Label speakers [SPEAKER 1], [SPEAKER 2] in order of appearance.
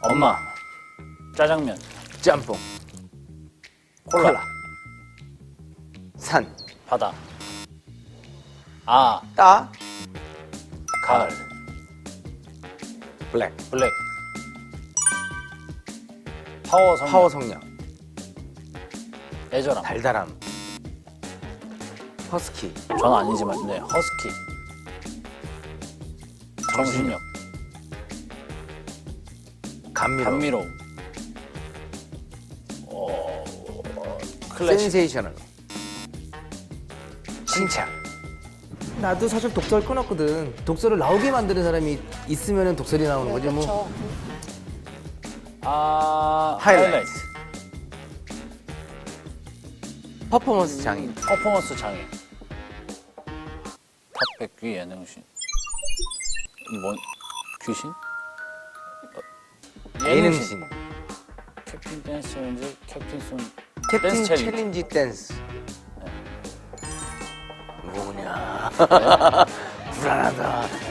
[SPEAKER 1] 엄마. 짜장면.
[SPEAKER 2] 짬뽕.
[SPEAKER 1] 콜라.
[SPEAKER 2] 산.
[SPEAKER 1] 바다. 아.
[SPEAKER 2] 따.
[SPEAKER 1] 가을.
[SPEAKER 2] 블랙.
[SPEAKER 1] 블랙. 파워 성량.
[SPEAKER 2] 파워 성량.
[SPEAKER 1] 애절함.
[SPEAKER 2] 달달함. 허스키.
[SPEAKER 1] 전 아니지만 네 허스키. 정신력.
[SPEAKER 2] 감미로움.
[SPEAKER 1] 감미로움. 클래식.
[SPEAKER 2] 센세이셔널. 칭찬.
[SPEAKER 3] 나도 사실 독설 끊었거든. 독설을 나오게 만드는 사람이 있으면 독설이 나오는 거지 뭐.
[SPEAKER 4] 그렇죠.
[SPEAKER 1] 아
[SPEAKER 2] 하이라이트. 퍼포먼스 장인.
[SPEAKER 1] 퍼포먼스 장애. 탑백귀 예능신. 뭔 귀신?
[SPEAKER 2] 예능신.
[SPEAKER 1] 캡틴 댄스 챌린지, 캡틴 손
[SPEAKER 2] 캡틴
[SPEAKER 1] 댄스 챌린지.
[SPEAKER 2] 챌린지 댄스. 뭐냐. 불안하다.